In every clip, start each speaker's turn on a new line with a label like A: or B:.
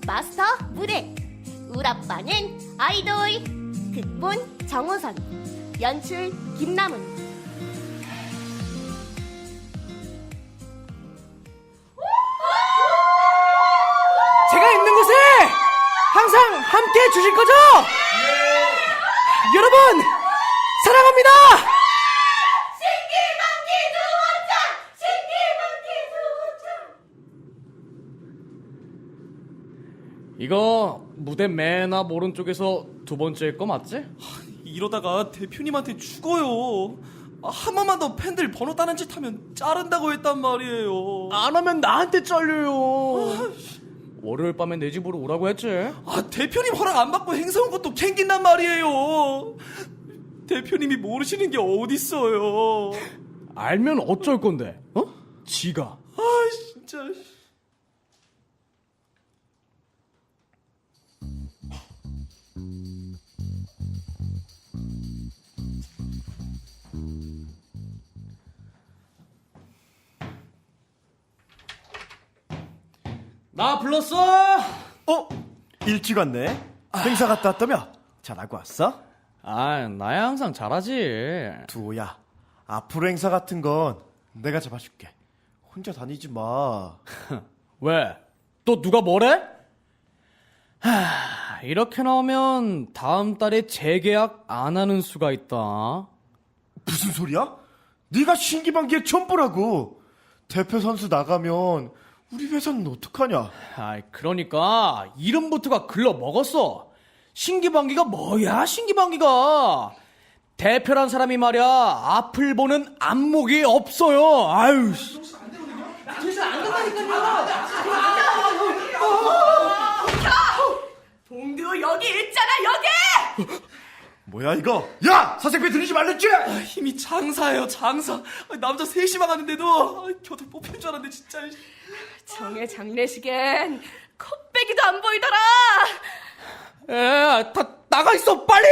A: 마스터 무대. 우라빠는 아이돌. 극본 정호선, 연출 김남은.
B: 제가 있는 곳에 항상 함께 해주실 거죠? 여러분 사랑합니다.
A: 신기방기 두원장.
B: 이거 무대 맨 앞 오른쪽에서 두 번째일 거 맞지?
C: 이러다가 대표님한테 죽어요. 한 번만 더 팬들 번호 따는 짓 하면 자른다고 했단 말이에요.
B: 안 하면 나한테 잘려요. 월요일 밤에 내 집으로 오라고 했지?
C: 대표님 허락 안 받고 행사 온 것도 캥긴단 말이에요. 대표님이 모르시는 게 어딨어요.
B: 알면 어쩔 건데? 지가.
C: 진짜.
B: 나 불렀어?
D: 일찍 왔네. 행사 갔다 왔다며? 잘하고 왔어?
B: 나야 항상 잘하지.
D: 두호야, 앞으로 행사 같은 건 내가 잡아줄게. 혼자 다니지 마.
B: 왜? 또 누가 뭐래? 이렇게 나오면 다음 달에 재계약 안 하는 수가 있다.
D: 무슨 소리야? 네가 신기방기의 첨부라고. 대표 선수 나가면 우리 회사는 어떡하냐?
B: 그러니까 이름부터가 글러 먹었어. 신기방기가 뭐야, 신기방기가. 대표란 사람이 말이야, 앞을 보는 안목이 없어요. 아유.
A: 봉두 여기 있잖아, 여기.
D: 뭐야 이거? 야! 사생비 들이지 말랬지?
C: 힘이 장사예요, 장사. 남자 셋이 막았는데도 겨우 뽑힌 줄 알았는데 진짜.
A: 정의 장례식엔 컵배기도 안 보이더라.
B: 다 나가 있어, 빨리.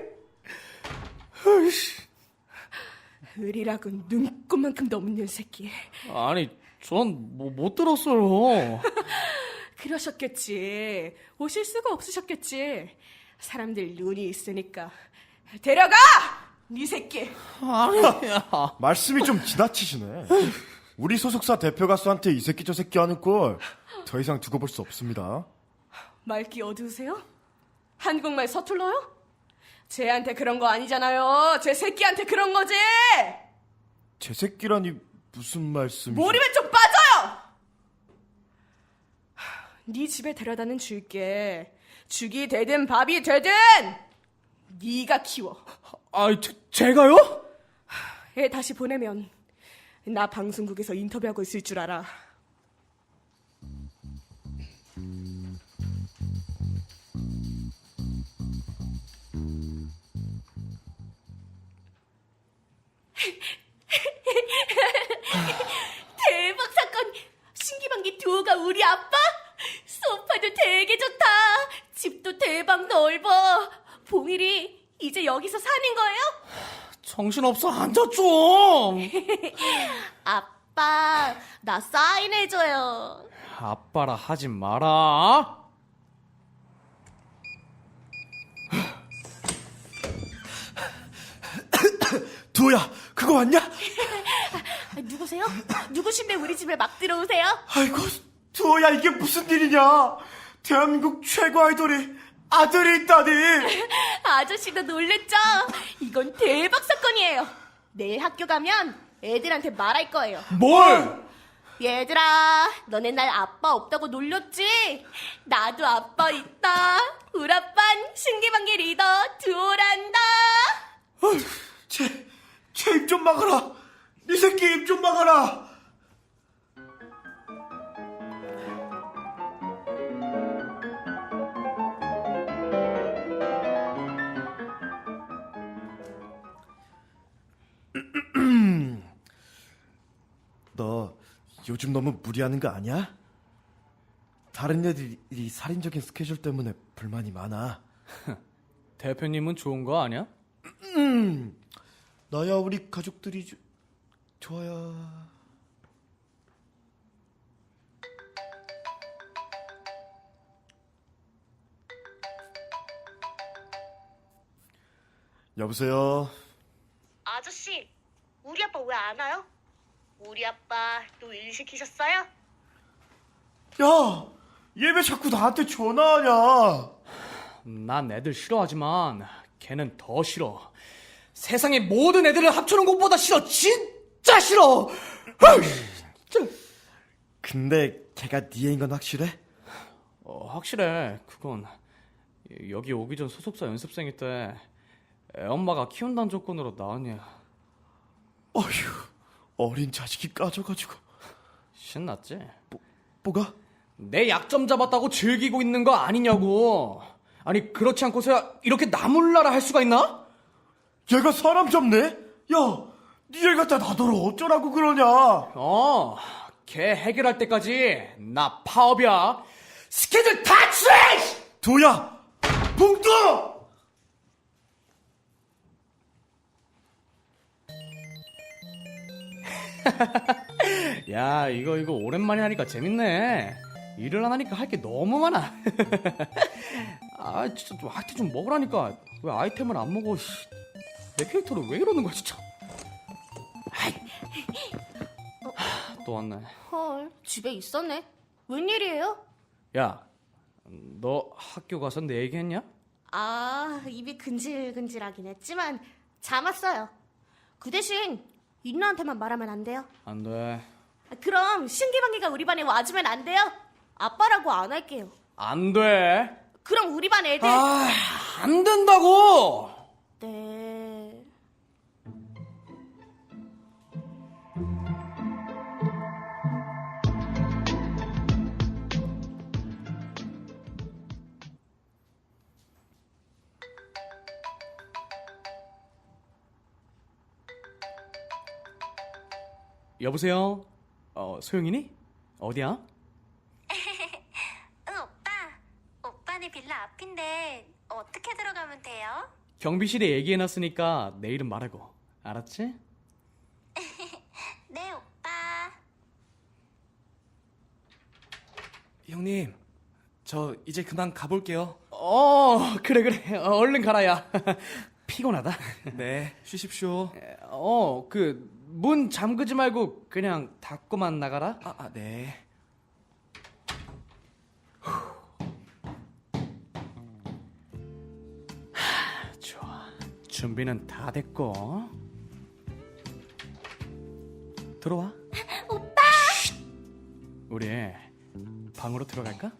A: 의리라고 눈꼽만큼도 없는 새끼.
B: 아니, 전 못 들었어요.
A: 그러셨겠지. 오실 수가 없으셨겠지. 사람들 눈이 있으니까. 데려가! 네 새끼.
B: 아니야.
D: 말씀이 좀 지나치시네. 우리 소속사 대표 가수한테 이 새끼 저 새끼 하는 꼴 더 이상 두고 볼 수 없습니다.
A: 말기 어두우세요? 한국말 서툴러요? 쟤한테 그런 거 아니잖아요. 쟤 새끼한테 그런 거지.
D: 제 새끼라니 무슨 말씀이세요?
A: 몰입에 좀 빠져요. 네 집에 데려다는 줄게. 죽이 되든 밥이 되든 네가 키워.
B: 제가요?
A: 애 다시 보내면 나 방송국에서 인터뷰하고 있을 줄 알아. 대박 사건! 신기방기 두호가 우리 아빠? 소파도 되게 좋다. 집도 대박 넓어. 봉일이 이제 여기서 사는 거예요?
B: 정신없어, 앉아 좀.
A: 아빠, 나 사인해줘요.
B: 아빠라 하지 마라.
D: 두호야, 그거 왔냐?
A: 누구세요? 누구신데 우리 집에 막 들어오세요?
D: 아이고, 두호야, 이게 무슨 일이냐? 대한민국 최고 아이돌이 아들이 있다니.
A: 아저씨도 놀랬죠? 이건 대박 사건이에요. 내일 학교 가면 애들한테 말할 거예요.
B: 뭘?
A: 얘들아, 너네 날 아빠 없다고 놀렸지? 나도 아빠 있다. 우라빤 신기방기 리더 두호란다.
D: 제 입 좀 막아라. 이 새끼 입 좀 막아라. 너 요즘 너무 무리하는 거 아니야? 다른 애들이 살인적인 스케줄 때문에 불만이 많아.
B: 대표님은 좋은 거 아니야?
D: 나야 우리 가족들이 좋아야. 여보세요?
E: 아저씨, 우리 아빠 왜 안 와요? 우리 아빠 또 일 시키셨어요?
D: 야! 얘 왜 자꾸 나한테 전화하냐?
C: 난 애들 싫어하지만 걔는 더 싫어. 세상의 모든 애들을 합쳐놓은 것보다 싫어. 진짜 싫어.
D: 근데 걔가 네 애인 건 확실해?
C: 확실해. 그건 여기 오기 전 소속사 연습생일 때 애엄마가 키운다는 조건으로 낳았냐.
D: 어휴, 어린 자식이 까져가지고.
C: 신났지?
D: 뭐가?
C: 내 약점 잡았다고 즐기고 있는 거 아니냐고. 아니 그렇지 않고서야 이렇게 나몰라라 할 수가 있나?
D: 얘가 사람 잡네? 야, 니네 갖다 놔둬라 어쩌라고 그러냐?
C: 걔 해결할 때까지 나 파업이야. 스케줄 다 취해!
D: 도야! 봉도!
C: 야 이거 오랜만에 하니까 재밌네. 일을 안 하니까 할 게 너무 많아. 아 진짜 좀 아이템 좀 먹으라니까. 왜 아이템을 안 먹어? 내 캐릭터를 왜 이러는 거야 진짜. 또 왔네.
A: 헐, 집에 있었네. 웬일이에요?
C: 야, 너 학교 가서 내 얘기했냐?
A: 아, 입이 근질근질하긴 했지만 잠 왔어요. 그 대신 인나한테만 말하면 안 돼요.
C: 안 돼.
A: 그럼 신기방기가 우리 반에 와주면 안 돼요? 아빠라고 안 할게요.
C: 안 돼.
A: 그럼 우리 반 애들
C: 안 된다고.
A: 네.
C: 여보세요? 소영이니? 어디야?
E: 응, 오빠. 오빠네 빌라 앞인데 어떻게 들어가면 돼요?
C: 경비실에 얘기해놨으니까 내일은 말하고. 알았지?
E: 네, 오빠.
B: 형님, 저 이제 그만 가볼게요.
C: 그래. 얼른 가라야. 피곤하다.
B: 네, 쉬십시오.
C: 문 잠그지 말고 그냥 닫고만 나가라.
B: 네.
C: 좋아. 준비는 다 됐고. 들어와.
E: 오빠!
C: 우리 방으로 들어갈까?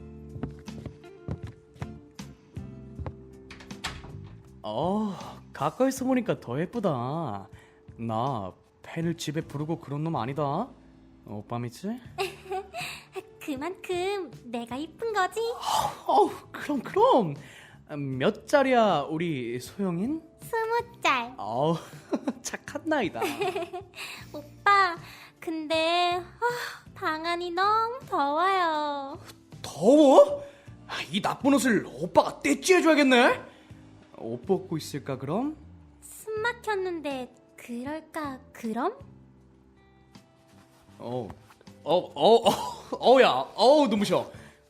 C: 가까이서 보니까 더 예쁘다. 나 팬을 집에 부르고 그런 놈 아니다. 오빠 믿지?
E: 그만큼 내가 이쁜 거지?
C: 그럼. 몇 살이야 우리 소영인?
E: 20살.
C: 착한 나이다.
E: 오빠, 근데 방 안이 너무 더워요.
C: 더워? 이 나쁜 옷을 오빠가 떼찌해줘야겠네. 옷 벗고 있을까 그럼?
E: 숨 막혔는데 그럴까 그럼?
C: 눈부셔.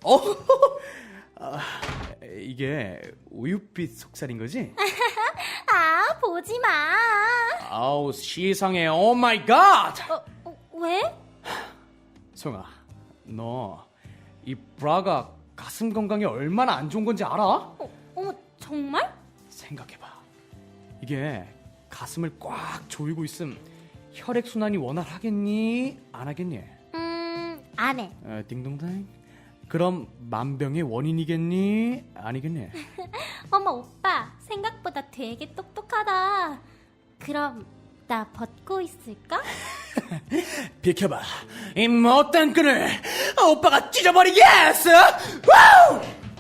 C: 이게 우윳빛 속살인 거지?
E: 아, 보지 마.
C: 시상해. 오 마이 갓.
E: 왜?
C: 소영아, 너 이 브라가 가슴 건강에 얼마나 안 좋은 건지 알아?
E: 어머, 정말?
C: 생각해봐. 이게 가슴을 꽉 조이고 있음 혈액순환이 원활하겠니? 안 하겠니?
E: 안 해.
C: 딩동댕. 그럼 만병의 원인이겠니? 아니겠니?
E: 어머, 오빠, 생각보다 되게 똑똑하다. 그럼 나 벗고 있을까?
C: 비켜봐. 이 못된 끈을 오빠가 찢어버리겠어. 와우!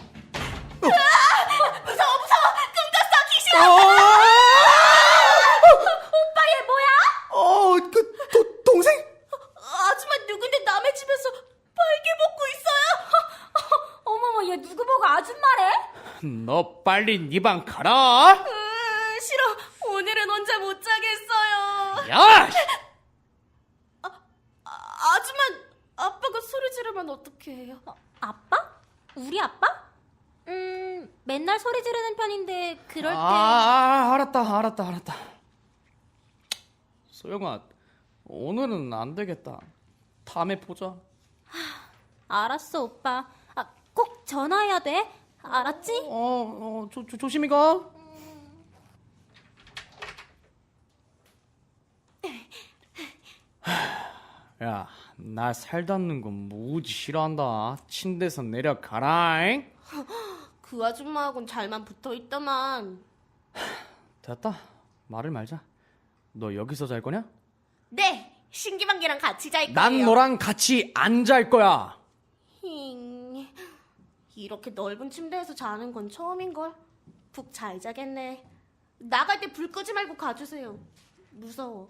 A: 무서워! 끔찍어! 귀신!
E: 오빠, 얘 뭐야?
C: 동생?
A: 아줌마 누군데 남의 집에서 빨개 먹고 있어요?
E: 어머머, 얘 누구 보고 아줌마래?
C: 너 빨리 네 방 가라.
A: 싫어. 오늘은 혼자 못 자겠어요.
C: 야!
A: 아줌마, 아빠가 소리 지르면 어떡해요?
E: 아빠? 우리 아빠?
A: 맨날 소리 지르는 편인데 그럴 때
C: 알았다. 소영아, 오늘은 안 되겠다. 다음에 보자.
A: 알았어, 오빠. 꼭 전화해야 돼. 알았지?
C: 조심히 가. 야, 나 살 닿는 거 무지 싫어한다. 침대에서 내려가라잉.
A: 그 아줌마하고는 잘만 붙어있더만.
C: 됐다. 말을 말자. 너 여기서 잘 거냐?
A: 네, 신기방기랑 같이 잘 거예요.
C: 난 너랑 같이 안 잘 거야.
A: 힝, 이렇게 넓은 침대에서 자는 건 처음인걸. 푹 잘 자겠네. 나갈 때 불 끄지 말고 가주세요. 무서워.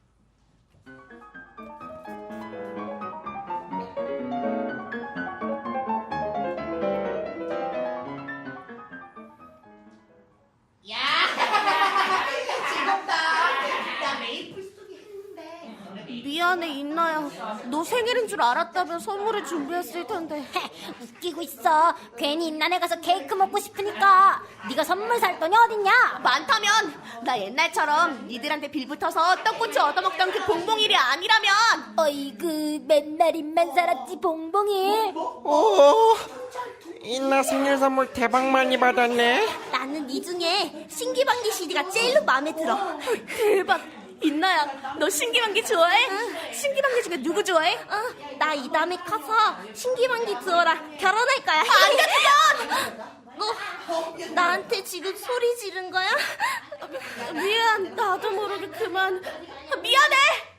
A: 미안해, 인나야. 너 생일인 줄 알았다면 선물을 준비했을 텐데.
F: 웃기고 있어. 괜히 인난에 가서 케이크 먹고 싶으니까. 네가 선물 살 돈이 어딨냐?
A: 많다면 나 옛날처럼 니들한테 빌붙어서 떡꼬치 얻어먹던 그 봉봉일이 아니라면.
F: 어이구, 맨날 입만 살았지 봉봉이.
B: 오, 인나 생일 선물 대박 많이 받았네.
A: 나는 이 중에 신기방기 CD가 제일로 마음에 들어. 대박. 인나야, 너 신기방기 좋아해? 신기방기 중에 누구 좋아해? 나 이 다음에 커서 신기방기 두어라 결혼할 거야. 안 돼, 그건! 나한테 지금 소리 지른 거야? 미안, 나도 모르게 그만. 미안해!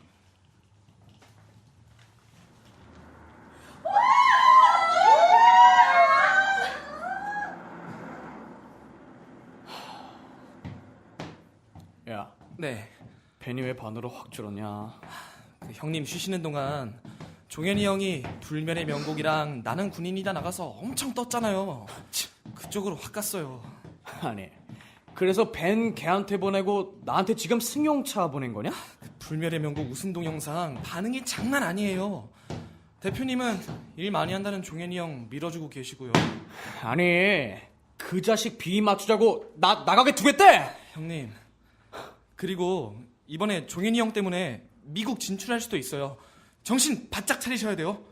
C: 야,
G: 네,
C: 벤이 왜 반으로 확 줄었냐?
G: 그 형님 쉬시는 동안 종현이 형이 불멸의 명곡이랑 나는 군인이다 나가서 엄청 떴잖아요. 그쪽으로 확 갔어요.
C: 아니, 그래서 벤 걔한테 보내고 나한테 지금 승용차 보낸 거냐?
G: 불멸의 명곡 우승 동영상 반응이 장난 아니에요. 대표님은 일 많이 한다는 종현이 형 밀어주고 계시고요.
C: 아니, 그 자식 비위 맞추자고 나가게 두겠대!
G: 형님, 그리고 이번에 종현이 형 때문에 미국 진출할 수도 있어요. 정신 바짝 차리셔야 돼요.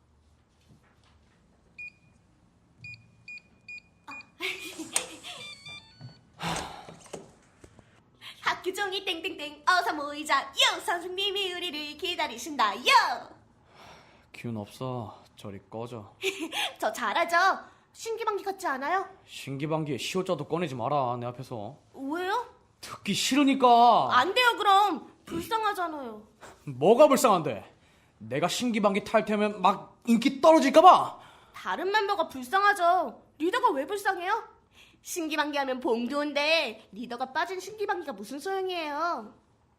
A: 학교 종이 땡땡땡 어서 모이자. 요, 선생님이 우리를 기다리신다. 요!
C: 기운 없어. 저리 꺼져.
A: 저 잘하죠? 신기방기 같지 않아요?
C: 신기방기에 시옷자도 꺼내지 마라, 내 앞에서.
A: 왜요?
C: 듣기 싫으니까.
A: 안 돼요, 그럼. 불쌍하잖아요.
C: 뭐가 불쌍한데? 내가 신기방기 탈 테면 막 인기 떨어질까봐?
A: 다른 멤버가 불쌍하죠. 리더가 왜 불쌍해요? 신기방기 하면 봉두인데 리더가 빠진 신기방기가 무슨 소용이에요?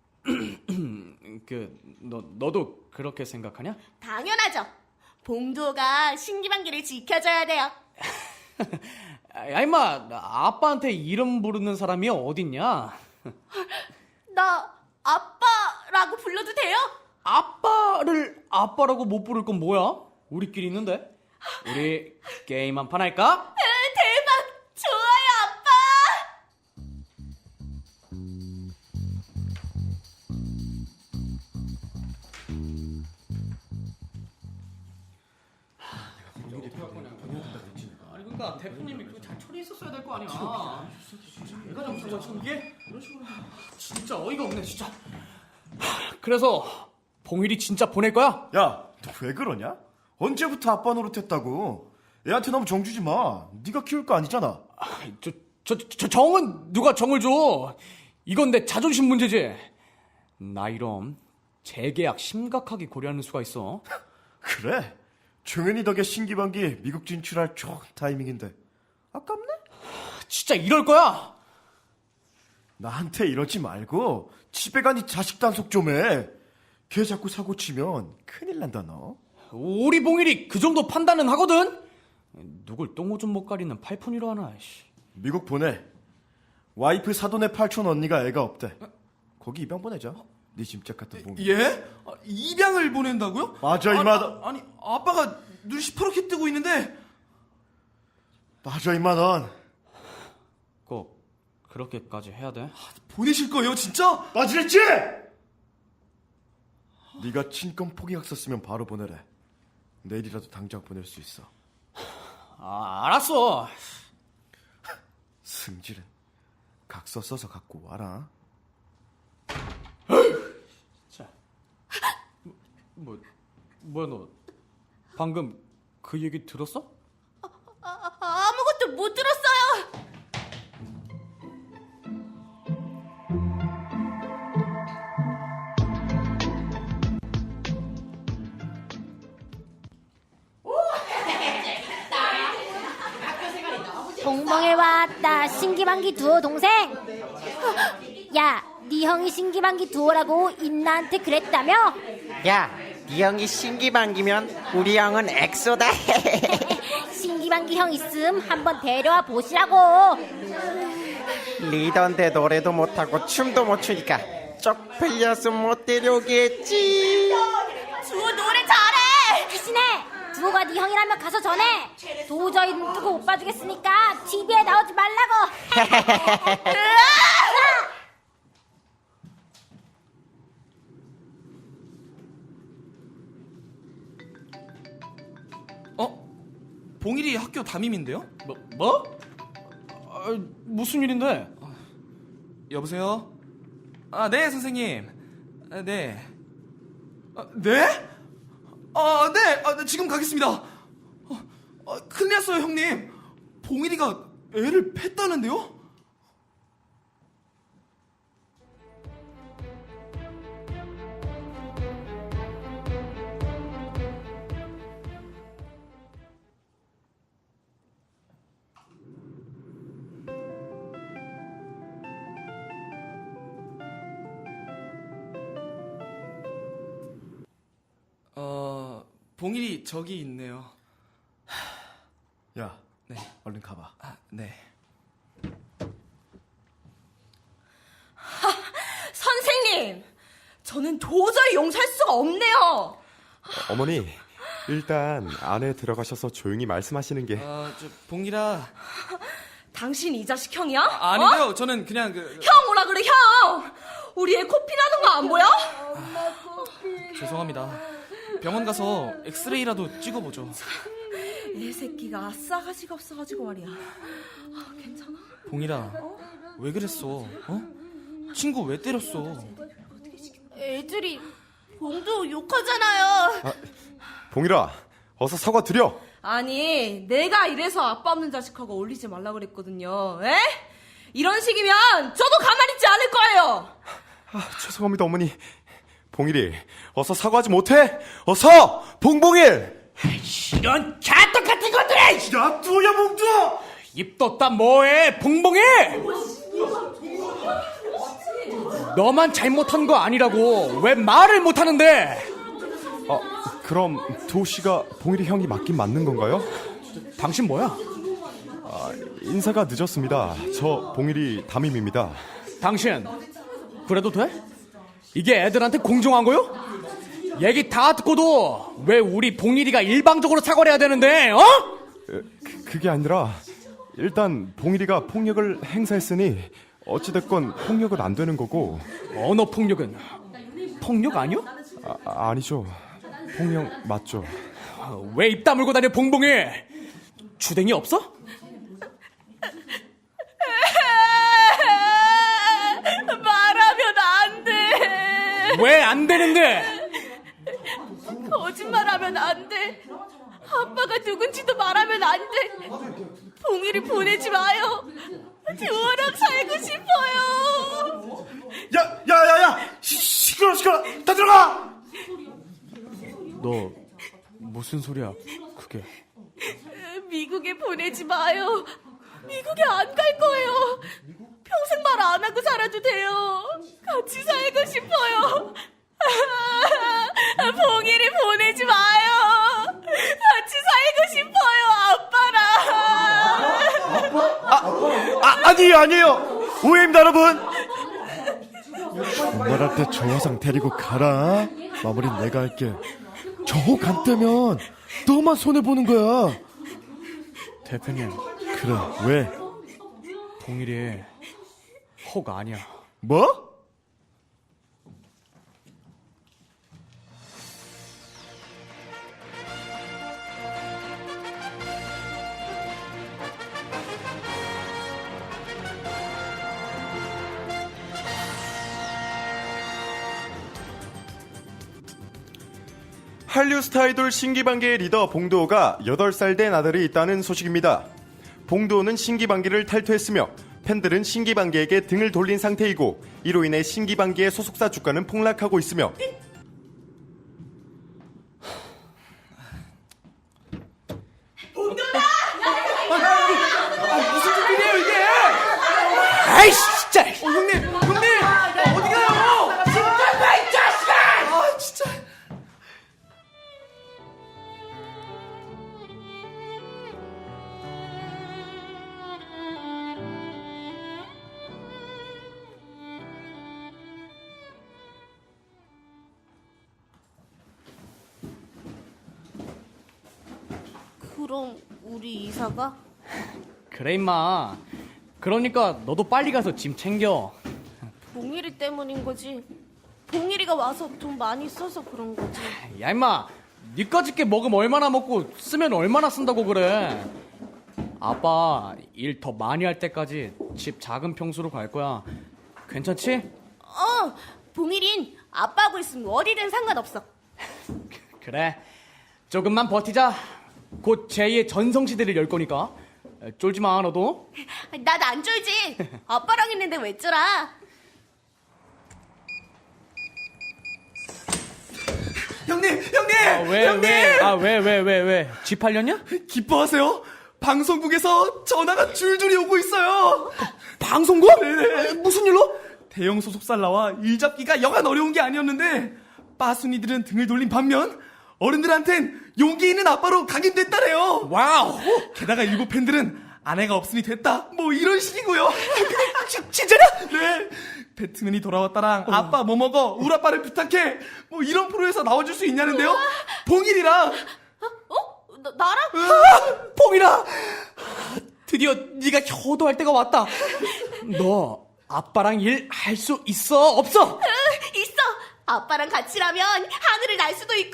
C: 너도 그렇게 생각하냐?
A: 당연하죠. 봉두가 신기방기를 지켜줘야 돼요.
C: 야, 임마, 아빠한테 이름 부르는 사람이 어딨냐?
A: 나 아빠라고 불러도 돼요?
C: 아빠를 아빠라고 못 부를 건 뭐야? 우리끼리 있는데? 우리 게임 한 판 할까?
A: 대박! 좋아요, 아빠!
C: 아니 그러니까 대표님이 잘 처리했었어야 될 거 아니야. 내가 잘못한 거야 지금 이게? 이런 식으로 진짜 어이가 없네 진짜. 그래서 봉일이 진짜 보낼 거야?
D: 야, 너 왜 그러냐? 언제부터 아빠 노릇했다고? 애한테 너무 정 주지 마. 네가 키울 거 아니잖아.
C: 저 정은 누가 정을 줘? 이건 내 자존심 문제지. 나 이럼 재계약 심각하게 고려하는 수가 있어.
D: 그래? 종현이 덕에 신기방기 미국 진출할 좋은 타이밍인데 아깝네?
C: 진짜 이럴 거야?
D: 나한테 이러지 말고 집에 가니 자식 단속 좀 해. 걔 자꾸 사고 치면 큰일 난다 너.
C: 우리 봉일이 그 정도 판단은 하거든? 누굴 똥오줌 못 가리는 팔푼이로 하나. 씨.
D: 미국 보내. 와이프 사돈의 팔촌 언니가 애가 없대. 거기 입양 보내자. 네 짐짝 같은 봉이.
G: 예? 입양을 보낸다고요?
D: 맞아, 이마다.
G: 아니, 아빠가 눈 시퍼렇게 뜨고 있는데.
D: 빠져 임마 넌.
C: 꼭 그렇게까지 해야 돼?
G: 보내실 거예요, 진짜?
D: 빠지랬지? 네가 친권 포기약 썼으면 바로 보내래. 내일이라도 당장 보낼 수 있어.
C: 알았어.
D: 승질은 각서 써서 갖고 와라.
C: 뭐야 너 방금 그 얘기 들었어?
A: 아무것도 못 들었어요.
F: 봉봉이 왔다. 신기방기 두호 동생. 야, 네 형이 신기방기 두호라고 인나한테 그랬다며?
H: 야, 네 형이 신기방기면 우리 형은 엑소다.
F: 신기방기 형 있음 한번 데려와 보시라고.
H: 리더인데 노래도 못하고 춤도 못 추니까 쪽팔려서 못 데려오겠지.
A: 두호 노래 잘해.
F: 대신에 두호가 네 형이라면 가서 전해. 도저히 눈 뜨고 못 봐주겠으니까 TV에 나오지 말라고.
G: 봉일이 학교 담임인데요?
C: 뭐? 무슨 일인데?
G: 여보세요? 네, 선생님. 네. 네? 네, 지금 가겠습니다. 큰일 났어요, 형님. 봉일이가 애를 팼다는데요? 봉일이 저기 있네요.
D: 야,
G: 네.
D: 얼른 가봐.
G: 네.
A: 선생님, 저는 도저히 용서할 수가 없네요.
I: 어머니, 일단 안에 들어가셔서 조용히 말씀하시는 게.
G: 봉일아.
A: 당신 이 자식 형이야?
G: 아니요, 저는 그냥
A: 형 오라 그래, 형. 우리 애 코피 나는 거 안 보여?
G: 죄송합니다. 병원 가서 엑스레이라도 찍어보죠.
A: 애 새끼가 싸가지가 없어가지고 말이야. 괜찮아?
G: 봉일아, 왜 그랬어? 친구 왜 때렸어?
A: 애들이 봉도 욕하잖아요.
I: 봉일아, 어서 사과 드려.
A: 아니, 내가 이래서 아빠 없는 자식하고 어울리지 말라 그랬거든요. 에? 이런 식이면 저도 가만히 있지 않을 거예요.
I: 죄송합니다, 어머니. 봉일이, 어서 사과하지 못해? 어서! 봉봉일!
C: 이런 개떡 같은 것들이!
D: 야, 두야 몽두!
C: 입 떴다 뭐해, 봉봉이! 너만 잘못한 거 아니라고 왜 말을 못하는데?
I: 그럼 두호씨가 봉일이 형이 맞긴 맞는 건가요?
C: 당신 뭐야?
I: 인사가 늦었습니다. 저 봉일이 담임입니다.
C: 당신 그래도 돼? 이게 애들한테 공정한 거요? 얘기 다 듣고도 왜 우리 봉일이가 일방적으로 사과를 해야 되는데, 어?
I: 그게 아니라 일단 봉일이가 폭력을 행사했으니 어찌됐건 폭력은 안 되는 거고.
C: 언어 폭력은 폭력 아니요?
I: 아니죠. 폭력 맞죠.
C: 왜 입 다물고 다녀, 봉봉이? 주댕이 없어?
A: 말하면 안 돼.
C: 왜 안 되는데?
A: 거짓말하면 안 돼. 아빠가 누군지도 말하면 안 돼. 봉이를 보내지 마요. 두호랑 살고 싶어요.
D: 야! 시끄러! 다 들어가!
C: 너 무슨 소리야, 그게?
A: 미국에 보내지 마요. 미국에 안 갈 거예요. 평생 말 안 하고 살아도 돼요. 같이 살고 싶어요. 봉이를 보내지 마요. 같이 살고 싶어요, 아빠랑.
D: 아니에요. 오해입니다, 여러분. 정말할 때 저 화상 데리고 가라. 마무리는 내가 할게. 저 간 때면 너만 손해보는 거야.
C: 대표님,
D: 그래, 왜?
C: 봉일이 혹 아니야.
D: 뭐?
I: 한류 스타 아이돌 신기방기의 리더 봉도호가 8살 된 아들이 있다는 소식입니다. 봉도호는 신기방기를 탈퇴했으며 팬들은 신기방기에게 등을 돌린 상태이고 이로 인해 신기방기의 소속사 주가는 폭락하고 있으며
B: 아이씨, 진짜! 형님! 어디 가요? 진짜 이 자식아! 아, 진짜.
A: 그럼 우리 이사가?
C: 그래 임마. 그러니까 너도 빨리 가서 짐 챙겨.
A: 봉일이 때문인 거지. 봉일이가 와서 돈 많이 써서 그런 거지.
C: 야 임마, 니까짓 게 먹으면 얼마나 먹고 쓰면 얼마나 쓴다고 그래. 아빠 일 더 많이 할 때까지 집 작은 평수로 갈 거야. 괜찮지?
A: 봉일인 아빠하고 있으면 어디든 상관없어.
C: 그래, 조금만 버티자. 곧 제2의 전성시대를 열 거니까 쫄지 마 너도.
A: 난 안 쫄지. 아빠랑 있는데 왜 쫄아?
B: 형님!
C: 왜? 집 팔렸냐?
B: 기뻐하세요? 방송국에서 전화가 줄줄이 오고 있어요.
C: 방송국?
B: 네.
C: 무슨 일로?
B: 대형 소속사를 나와 일 잡기가 여간 어려운 게 아니었는데 빠순이들은 등을 돌린 반면 어른들한텐 용기 있는 아빠로 각인됐다래요.
C: 와우.
B: 게다가 일부 팬들은 아내가 없으니 됐다 뭐 이런 식이고요. 진짜냐? 네. 배트맨이 돌아왔다랑 아빠 뭐 먹어 우리 아빠를 부탁해 뭐 이런 프로에서 나와줄 수 있냐는데요. 봉일이랑
A: 나랑?
C: 봉이라, 드디어 네가 효도할 때가 왔다. 너 아빠랑 일 할 수 있어 없어?
A: 있어. 아빠랑 같이 라면 하늘을 날 수도 있고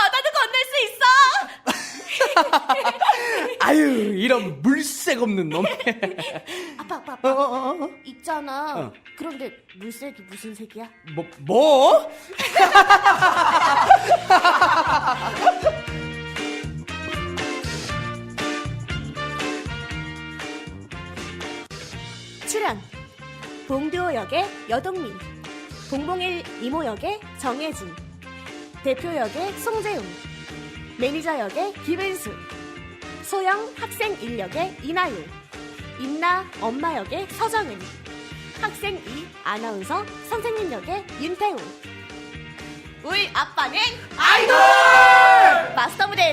A: 바다도 건널 수 있어.
C: 아유, 이런 물색 없는 놈.
A: 아빠. 있잖아. 그런데 물색이 무슨 색이야?
C: 뭐?
A: 출연 봉두호 역의 여동민, 봉봉일 이모 역의 정혜진, 대표 역의 송재웅, 매니저 역의 김은수, 소영 학생 1역의 이나율, 임나 엄마 역의 서정은, 학생 2 아나운서 선생님 역의 윤태웅. 우리 아빠는 아이돌! 마스터 무대